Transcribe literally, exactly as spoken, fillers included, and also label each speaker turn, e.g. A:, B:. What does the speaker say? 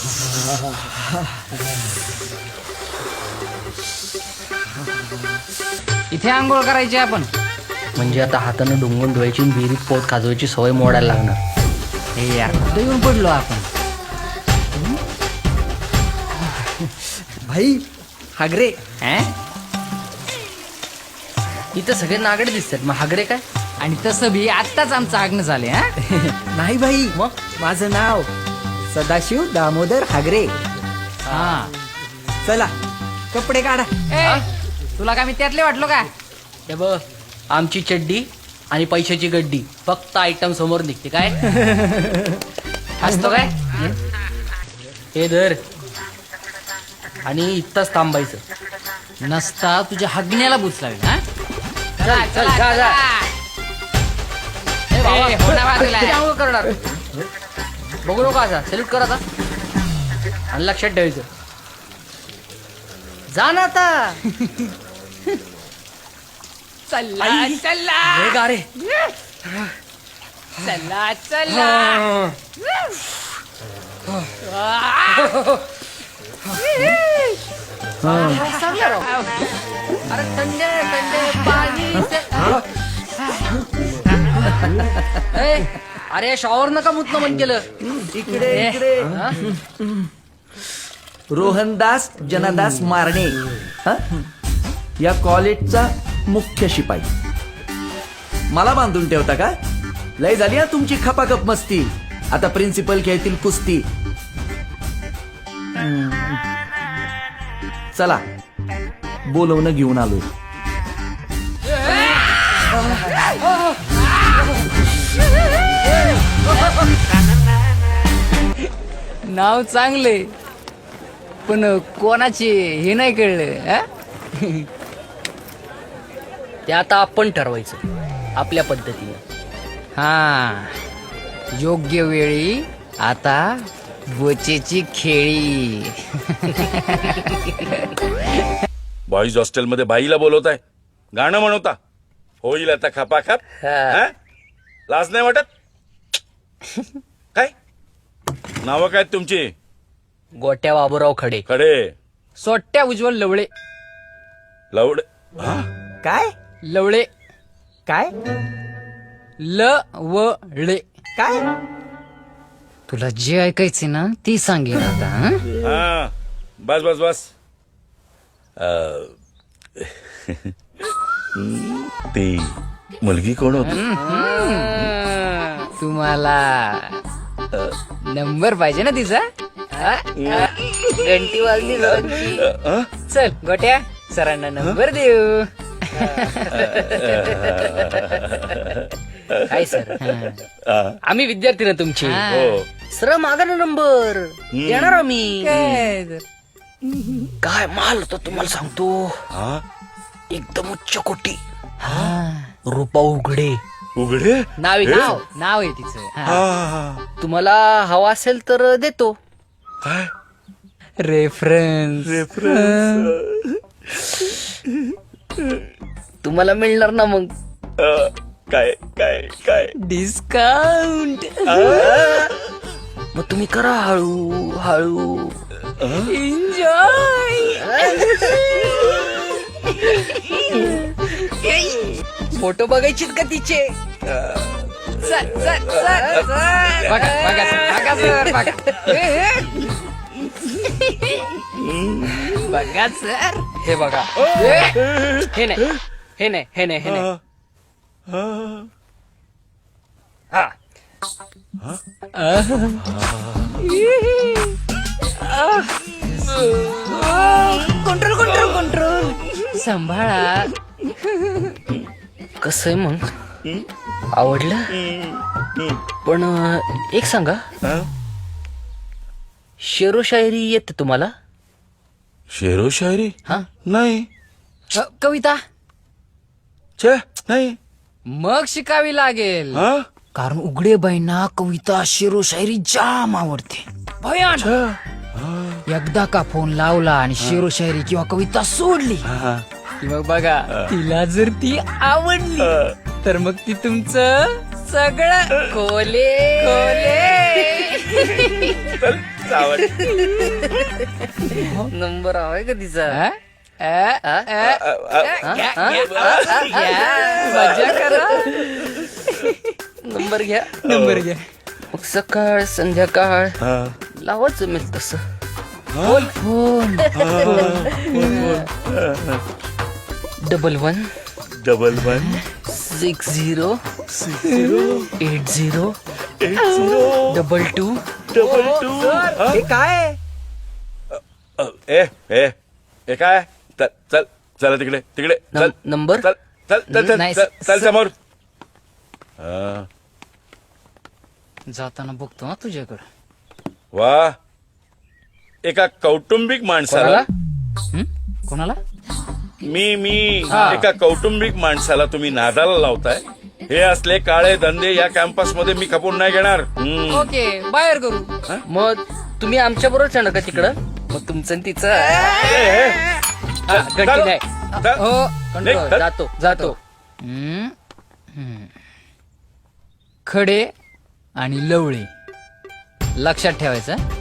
A: इथे आंघोळ करायची आपण.
B: म्हणजे आता हातानं डुंगून धुवायची विहिरीत पोत खाजवायची सवय मोडायला लागणार.
A: हे यार कुठे येऊन पडलो आपण.
C: भाई हागरे.
B: इथं सगळे नागडे दिसतात, मग हागरे काय?
A: आणि तसं बी आत्ताच आमचं आग्न झाले. हा
C: नाही भाई,
B: मग
C: माझं नाव सदाशिव दामोदर हागरे.
A: हा.
C: चला कपडे काढा.
A: ए, तुला काय मी त्यातले वाटलो का?
B: हे बघ, आमची चड्डी आणि पैशाची गड्डी फक्त आयटम समोर निघते काय.
A: असतो काय?
B: हे धर आणि इथंच थांबायचं.
A: नसता तुझ्या हगण्याला बुच लागेल. हा
B: चल चल जा जा. ए बाबा,
A: ए, हो ना बाजूला.
B: किती आंघोळ करणार? बघू नका असा, सॅल्यूट कर आता आणि लक्षात ठेवायचं. जा ना आता.
A: चला चला
B: हे गारे.
A: चला चला.
B: अरे थंडे थंडे पाणी. ए, अरे शॉवर नका मुतनं मन केलं.
C: इकडे इकडे. रोहनदास जनादास मारणे, हा? या कॉलेजचा मुख्य शिपाई. मला बांधून ठेवता का? लय झाली हा तुमची खपाखप मस्ती. आता प्रिन्सिपल खेळतील कुस्ती. हम्म. चला बोलवणं घेऊन आलो.
A: नाव चांगले पण कोणाचे हे नाही कळलं. हा?
B: ते आता आपण ठरवायचं आपल्या पद्धतीने.
A: हा, योग्य वेळी आता बोचेची खेळी.
D: बॉईज हॉस्टेलमध्ये बाईला बोलवताय, गाणं म्हणवता. होईल आता खपाखप. हा? लाज नाही वाटत? काय नावं काय तुमची?
B: गोट्या बाबूराव खडे.
D: खडे.
A: सोट्या उज्ज्वल लवळे.
D: लवड. हा?
C: काय
A: लवळे.
C: काय
A: लवळे.
C: काय
A: तुला जे ऐकायचे ना ती सांगेन आता. हा?
D: हा, बस बस बस. ती मुलगी कोण होती?
A: तुम्हाला नंबर पाहिजे ना तिचा? हा? घंटी वाजली सरांची.
D: अ?
A: चल गोट्या सरांना नंबर देऊ.
B: काय सर,
D: आ,
B: आम्ही विद्यार्थी ना तुमची.
A: हा.
D: हो.
B: सर मागा ना नंबर, देणार आम्ही.
A: काय?
B: काय माल होता तुम्हाला सांगतो,
D: हा?
B: एकदम उच्च कोटी. रूपा उघडे
D: उघडे.
B: नाव आहे,
D: हे?
B: नाव.
A: नाव आहे तिचं.
D: हा,
A: हा.
D: हा.
B: तुम्हाला हवा असेल तर देतो.
D: काय
A: रेफरन्स.
B: तुम्हाला मिळणार ना मग.
D: अ, काय काय काय
A: डिस्काउंट.
B: मग तुम्ही करा हळू हळू.
A: एन्जॉय.
B: फोटो बघायचे का तिचे?
A: चल चल चल चल. बघा बघा सर, बघा सर बघा. बघा सर.
B: हे बघा. हे नाही हे नाही हे नाही हे नाही. हा,
A: कंट्रोल कंट्रोल कंट्रोल. सांभाळा.
B: कसं आहे मग, आवडलं? पण अं, एक सांगा, शेरो शायरी येते तुम्हाला?
D: शेरो शायरी?
B: हा,
D: नाही.
A: अ, कविता
D: छे नाही.
A: मग शिकावी लागेल.
D: हा?
A: कारण उघडेबाईंना कविता शेरो शायरी जाम आवडते. भयान. एकदा का फोन लावला आणि शेरो शायरी किंवा कविता सोडली
D: हा.
A: की मग बघा, तिला जर ती आवडली तर मग ती तुमचं सगळं कोले कोले.
D: चल सावध.
B: नंबर हवाय का तिचा
A: अ? अ?
B: हा?
A: अ?
B: हा?
A: घ्या,
B: हा?
A: घ्या, घ्या. मजा करा.
B: नंबर घ्या
A: नंबर घ्या.
B: मग सकाळ संध्याकाळ
D: हा.
B: लावाच जमेल तसं
A: phone
B: double one
D: double one
B: six zero
D: six zero
B: eight zero
D: eight zero
B: double two
D: double two.
C: हे काय
D: ए ए ए काय चल चल चला तिकडे तिकडे चल
B: नं- नंबर?
D: चल चल चल चल
A: नाही,
D: चल चल
A: स-
D: समोर. हा.
A: जाताना बघतो ना तुझ्याकडे.
D: वा एका कौटुंबिक माणसाला
A: हं? कोणाला?
D: मी मी
A: हा.
D: एका कौटुंबिक माणसाला तुम्ही नादाला लावताय. हे असले काळे धंदे या कॅम्पस मध्ये मी खपून नाही घेणार. हम्म.
A: ओके बाहेर करू.
B: मग तुम्ही आमच्या बरोबर चढ का तिकडं मग तुमचं आणि तिचं
D: ए, ए.
B: हा, गट्टी
D: चल.
B: नाही
D: चल.
A: हो.
D: निघ, चल.
B: जातो जातो
A: हं? हं. खडे आणि लवळे लक्षात ठेवायचं.